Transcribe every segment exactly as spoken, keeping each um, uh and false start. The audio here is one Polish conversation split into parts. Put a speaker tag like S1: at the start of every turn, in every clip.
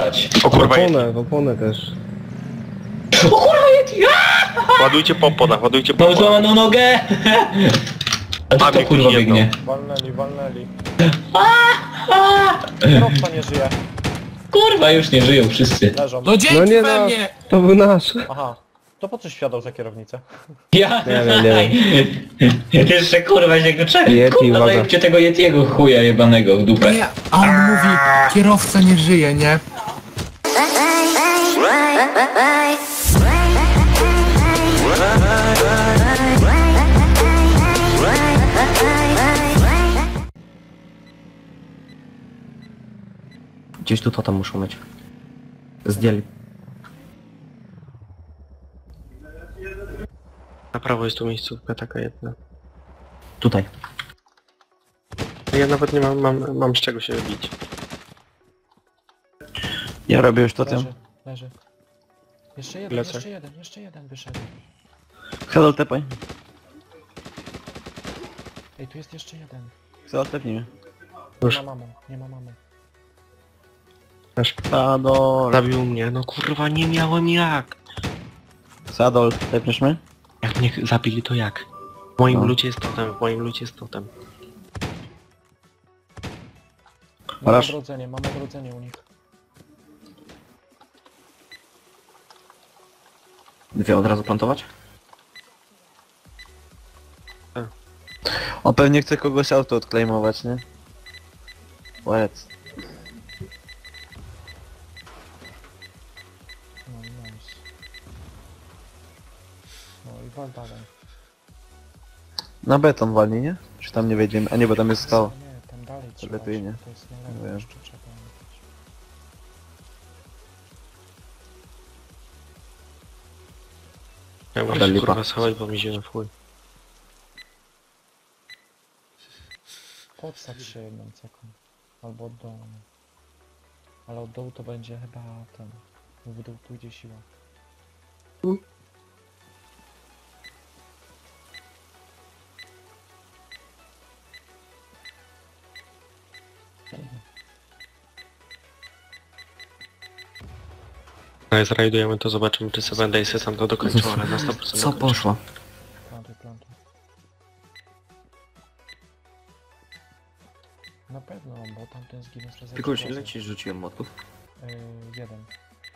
S1: O kurwa,
S2: W
S1: Yeti.
S2: oponę, w oponę też.
S3: O kurwa, Yeti!
S1: Ładujcie pompona, ładujcie
S3: Mam
S1: pompona.
S3: złamaną nogę! A
S1: A,
S3: co to
S1: mnie
S3: kurwa
S1: ktoś jedną.
S3: biegnie?
S4: Walnęli, walnęli.
S3: A!
S4: Kierowca nie żyje.
S3: Kurwa, już nie żyją wszyscy.
S4: Leżą.
S5: No dzięki
S2: No nie
S5: we
S2: no,
S5: mnie!
S2: to był nasz.
S4: Aha. To po coś wsiadał za kierownicę?
S3: Ja?
S2: Nie wiem, nie
S3: Jeszcze kurwa się go czeka.
S2: Yeti,
S3: Kurwa,
S2: uwaga.
S3: zajebcie tego Yetiego chuja jebanego w dupę.
S5: Nie, a on mówi, kierowca nie żyje, nie?
S6: Gdzieś tu totem muszą mieć. Zdjęli.
S1: Na prawo jest tu miejscówka taka jedna.
S6: Tutaj.
S1: Ja nawet nie mam, mam, mam z czego się bić.
S7: Ja robię już totem.
S4: Leży, leży. Jeszcze jeden,
S1: Lecę.
S4: jeszcze jeden, jeszcze jeden wyszedł.
S7: Hedol tepaj.
S4: Ej, tu jest jeszcze jeden.
S7: Hedol tepnij mnie.
S4: Nie
S1: Już.
S4: ma mamo, nie ma mamo.
S7: Sadol.
S1: Zabił mnie, no kurwa nie miałem jak.
S7: Sadol, tepniesz mnie?
S1: Jak mnie zabili to jak? W moim
S7: No.
S1: lucie jest totem, w moim lucie jest totem.
S4: Mamy
S7: Rasz.
S4: odrodzenie, mamy odrodzenie u nich.
S6: Dwie od razu plantować?
S7: On pewnie chce kogoś auto odklejmować, nie? Łec.
S4: No i nice. No i wal dalej.
S7: Na beton walnie, nie? Czy tam nie wejdziemy? A nie, bo tam jest stało.
S4: Nie, tam dalej trzeba.
S7: lepiej
S4: iść,
S7: nie.
S4: To jest na lewo,
S7: Wiem.
S4: jeszcze trzeba jechać.
S1: Ja muszę
S6: Ale
S1: się
S6: lipa.
S1: kurwa schować, bo mi zimno w chuj.
S4: Podsadź się jedną ceką. Albo od dołu. Ale od dołu to będzie chyba ten. W dół pójdzie siła.
S1: Ale zrajdujemy to, zobaczymy czy Seven Daysy sam to dokończą, ale na sto procent
S6: Co
S1: dokończą.
S6: poszło?
S4: Plantuj, plantuj. Na pewno, bo tamten zginął przez
S6: Tylko już
S4: eksplozję.
S6: ile ci rzuciłem młotków?
S4: Yy, jeden.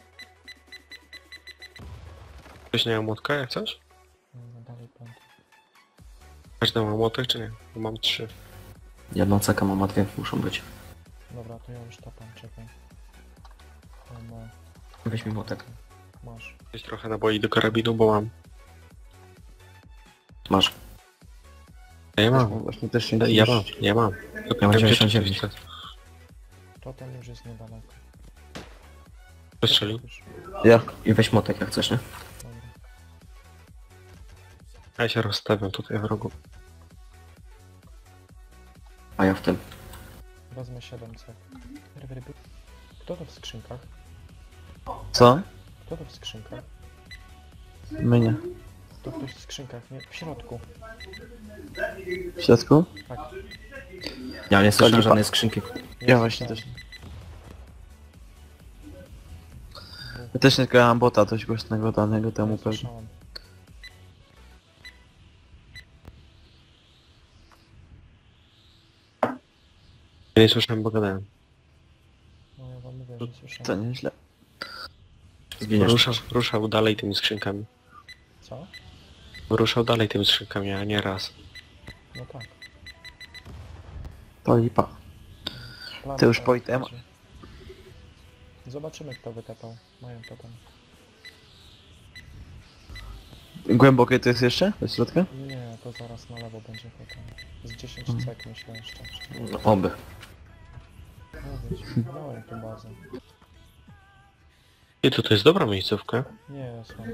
S1: Ktoś nie ma młotka jak coś?
S4: Yy, dalej plantuj.
S1: Każdy ma młotek czy nie? Bo mam trzy.
S6: Jedną cekę mam, a dwie muszą być.
S4: Dobra, to ja już tapam, czekaj. O, no,
S6: Weź mi młotek.
S4: masz.
S1: Coś trochę naboi do karabinu, bo mam.
S6: Masz.
S1: Ja mam.
S7: Właśnie też się
S1: Ja mam, ja mam.
S6: Ja mam dziewięćdziesiąt dziewięć.
S4: To ten już jest niedaleko.
S1: Przestrzelił.
S4: Już,
S7: Ja.
S6: I weź młotek jak chcesz, nie?
S4: dobra.
S1: Ja się rozstawiam tutaj w rogu.
S6: A ja w tym.
S4: Wezmę siedem cek. Ryby, ryby. Kto to w skrzynkach?
S7: Co?
S4: Kto to w skrzynkach?
S7: My nie.
S4: To ktoś w skrzynkach, nie? W środku.
S7: W środku?
S4: Tak.
S6: Ja nie słyszę
S7: Lipa.
S6: żadnej skrzynki.
S4: Jest
S7: Ja właśnie
S4: tam.
S7: też. Ja też nie grałem bota dość głośnego danego temu
S4: Nie
S7: pewnie.
S4: słyszałem.
S1: Ja nie słyszałem, bo gadałem.
S4: No ja wam mówię, że
S7: To
S4: słyszałem.
S7: nieźle.
S6: Zginiesz.
S1: Ruszał, ruszał dalej tymi skrzynkami.
S4: Co?
S1: Ruszał dalej tymi skrzynkami, a nie raz.
S4: No tak.
S7: To lipa.
S4: Plan
S7: Ty już
S4: to
S7: po item?
S4: będzie. Zobaczymy kto wytepał. Mają to tam.
S7: Głębokie to jest jeszcze? Do środka?
S4: Nie, to zaraz na lewo będzie potem. Z dziesięć
S7: Mhm.
S4: cek myślę jeszcze.
S6: No, oby.
S4: Mówić, miałem tu bazę.
S1: I to to jest dobra miejscówka.
S4: Nie, słabo.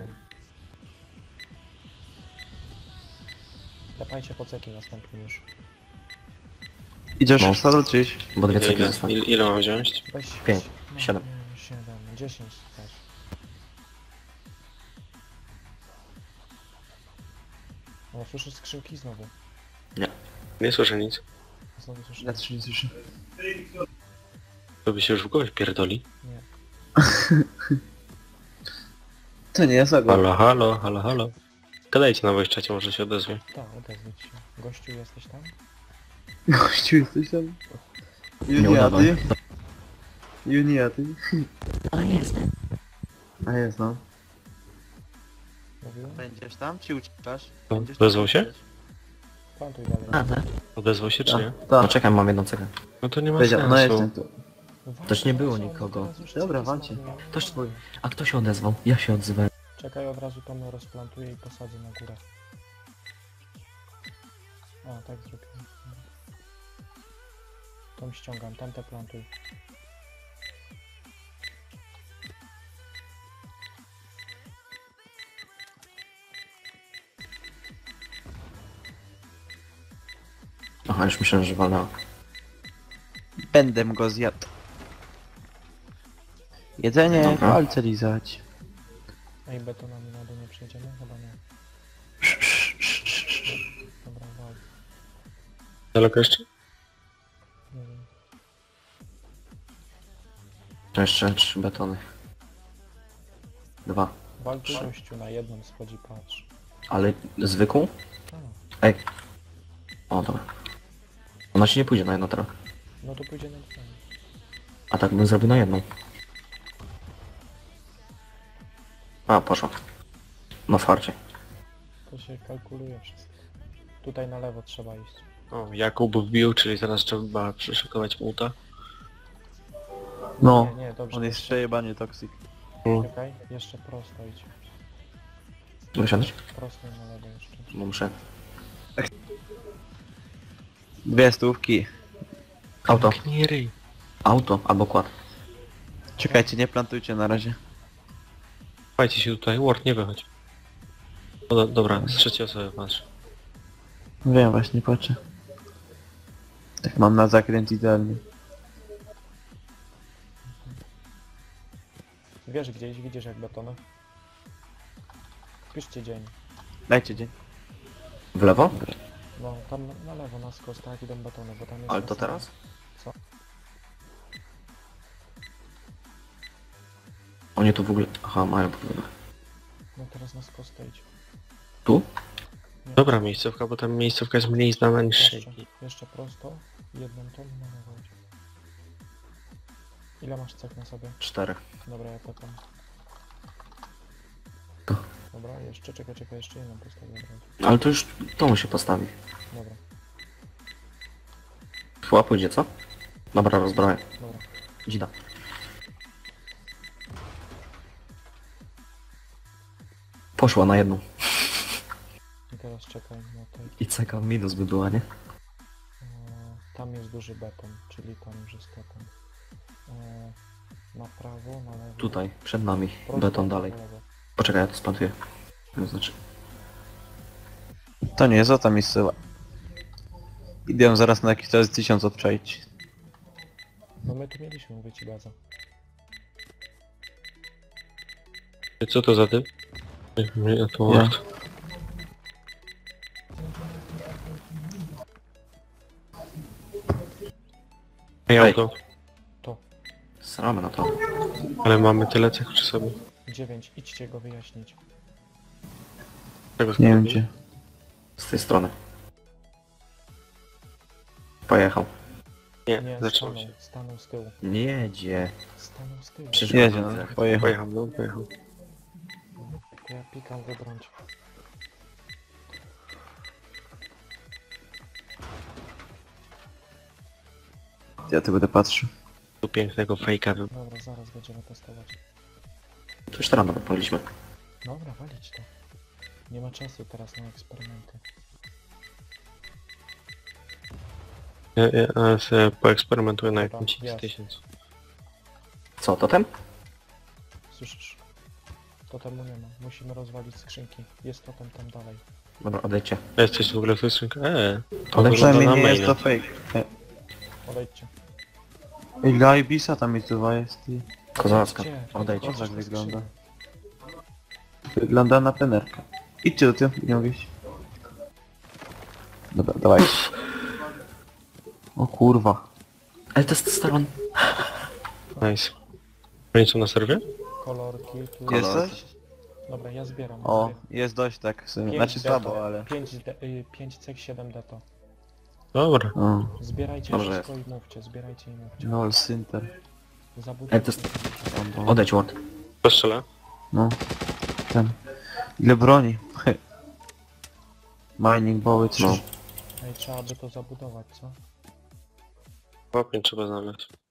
S4: Tepajcie po ceki następny już.
S7: Idziesz
S6: No.
S7: w sadol czy iść?
S6: Bo dwie
S1: Ile,
S6: ceki
S1: ile,
S6: zostały.
S1: ile, ile mam wziąć?
S4: Weź,
S6: Pięć,
S4: no,
S6: siedem.
S4: nie, siedem, dziesięć też. O, słyszysz skrzynki znowu.
S1: Nie słyszę nic.
S4: Znowu słyszę.
S7: Ja też nie słyszę.
S1: To by się już w głowie pierdoli.
S4: Nie.
S7: To nie jest ogólnie.
S1: Halo, halo, halo, halo. Gadajcie na voice czacie, może się odezwie.
S4: Tak, odezwij się. Gościu, jesteś tam?
S7: Gościu, jesteś tam?
S6: Nie udawaj.
S7: Juniaty? Juniaty?
S6: A jest.
S7: A jest no.
S4: Mówiłem?
S7: Będziesz tam, czy uciekasz?
S1: No,
S7: Będziesz tam,
S1: odezwał się?
S7: czy
S4: Plantuj dalej.
S6: A, tak.
S1: Odezwał się czy nie?
S7: uciekasz?
S6: No
S7: Tak,
S6: czekaj, mam jedną cegę.
S1: No to nie ma
S7: powiedział, no
S1: sensu.
S7: jestem tu.
S4: Uważaj,
S6: Też nie było
S4: uważaj,
S6: nikogo.
S4: teraz już
S7: Dobra,
S4: ceki
S7: walcie.
S4: spadną.
S6: Ktoś... A kto się odezwał? Ja się odzywałem.
S4: Czekaj, od razu to rozplantuję i posadzę na górę. O, tak zrobiłem. Tą ściągam, tamte plantuj.
S6: Aha, już myślałem, że walnęła.
S7: Będę go zjadł. Jedzenie,
S6: Dobra.
S7: palce lizać.
S4: Ej, betonami na dół nie przejdziemy? Chyba nie. Dobra, wal.
S1: Daleko jeszcze?
S4: Nie wiem.
S6: To jeszcze trzy betony. Dwa.
S4: Wal tu gościu, na jedną schodzi, patrz.
S6: Ale zwykłą?
S4: A,
S6: Ej. O, dobra. Ona się nie pójdzie na jedno teraz.
S4: no to pójdzie na dwa.
S6: A tak bym zrobił na jedną. A, poszło. No farcie.
S4: To się kalkuluje wszystko. Tutaj na lewo trzeba iść.
S1: O, Jakub wbił, czyli teraz trzeba przeszukować muta.
S7: No,
S4: Nie, nie, dobrze.
S7: on jest przejebanie toksik.
S4: Czekaj, jeszcze prosto idź.
S6: Wysiadać?
S4: Prosto i na lewo jeszcze.
S6: Bo muszę.
S7: Dwie stówki.
S6: Auto.
S1: Nie ryj.
S6: Auto albo kład.
S7: Czekajcie, nie plantujcie na razie.
S1: Chowajcie się tutaj, Ward, nie wychodź. O, do, dobra, z trzeciej osoby patrz.
S7: Wiem, właśnie patrzę. Tak mam na zakręt idealnie.
S4: Wiesz gdzieś, widzisz jak betony? Wpiszcie dzień.
S7: Dajcie dzień.
S6: W lewo?
S4: No, tam na, na lewo, na skos, tak, idą betony, bo tam jest...
S6: Ale to
S4: następny.
S6: teraz?
S4: Co?
S6: Oni tu w ogóle... Aha, mają problemy.
S4: No teraz na skos to idź.
S6: Tu?
S4: Nie,
S1: Dobra miejscówka, bo tam miejscówka jest mniej znana niż
S4: Jeszcze,
S1: Shaky.
S4: jeszcze prosto, jedną tą i na lewo idź. Ile masz cech na sobie?
S6: Cztery.
S4: Dobra, ja potem.
S6: To.
S4: Dobra, jeszcze, czekaj, czekaj, jeszcze jedną postawię. Dobra,
S6: Ale to już to się postawi.
S4: dobra,
S6: Chyba pójdzie, co? Dobra, rozbroję.
S4: dobra.
S6: Dzida. Poszła na jedną.
S4: I teraz czekaj na tej...
S6: I ceka minus by była, nie?
S4: E, tam jest duży beton, czyli tam już jest beton. E, na prawo, na lewo.
S6: Tutaj, przed nami.
S4: prosto,
S6: Beton
S4: na
S6: dalej.
S4: lewo.
S6: Poczekaj, ja to splantuję. To znaczy...
S7: To nie jest o ta miejscowa. Idę zaraz na jakiś czas tysiąc odczaić.
S4: No my tu mieliśmy, mówię ci, baza.
S1: Co to za typ? Nie, nie, to
S7: Ja.
S1: Ward. Ej,
S6: Ej.
S1: auto.
S6: Sramy na to.
S1: Ale mamy tyle cech przy sobie.
S4: dziewięć, idźcie go wyjaśnić.
S1: Czego
S7: Nie wiem
S1: skąd?
S7: gdzie.
S6: Z tej strony. Pojechał.
S1: Nie,
S4: Nie,
S1: zaczął
S4: stanął,
S1: się.
S4: stanął z tyłu.
S6: Nie jedzie.
S4: Stanął z tyłu.
S6: Przecież
S7: Jedzie,
S6: mam
S7: no.
S6: cech.
S7: Pojechał.
S1: Pojechał, no, pojechał.
S4: To ja pikam wybrąć.
S7: Ja tu będę patrzył.
S1: Tu pięknego fejka wy...
S4: Dobra, zaraz będziemy testować.
S6: To już teraz nawet mogliśmy.
S4: Dobra, walić to. Nie ma czasu teraz na eksperymenty.
S1: Ja, ja, ja sobie poeksperymentuję na
S4: Dobra,
S1: jakimś
S4: jasne.
S1: tysiąc.
S6: Co, totem?
S4: Słyszysz? Totemu nie ma. Musimy rozwalić skrzynki. Jest totem tam dalej.
S6: Dobra, odejdźcie.
S1: Jesteś w ogóle w tej skrzynce? Eee, to
S6: Ale
S1: wygląda
S7: Przynajmniej
S1: na
S7: nie jest to
S1: maila.
S7: fake.
S4: Odejdźcie.
S7: Ej, dla Ibisa tam miejscowa jest i...
S6: Kozacka.
S4: Gdzie?
S6: Odejdźcie.
S7: Kozak
S4: na
S7: wygląda.
S4: skrzynię.
S7: Wygląda na penerkę. Idźcie do tyłu, nie mogę iść. Dobra, dawaj. O kurwa.
S6: Ale to jest stron.
S1: Nice. Oni są na serwie?
S4: Kolorki, tu
S7: Jesteś?
S4: Dobra, ja zbieram.
S7: O,
S4: Zbie-
S7: jest dość tak, w sumie.
S4: pięć
S7: Znaczy
S4: deto,
S7: słabo, ale...
S4: pięć cek, siedem deto.
S1: Dobra.
S7: O,
S4: Zbierajcie
S6: Dobrze
S4: wszystko i mówcie, zbierajcie i mówcie.
S7: no, Sinter.
S4: Zabudujcie.
S6: Ej, to jest- Odejdź Ward.
S1: Postrzelę.
S7: No. Ten. Ile broni? Mining boły, trzy.
S6: No.
S4: Ej, trzeba by to zabudować, co?
S1: Łapień trzeba znaleźć.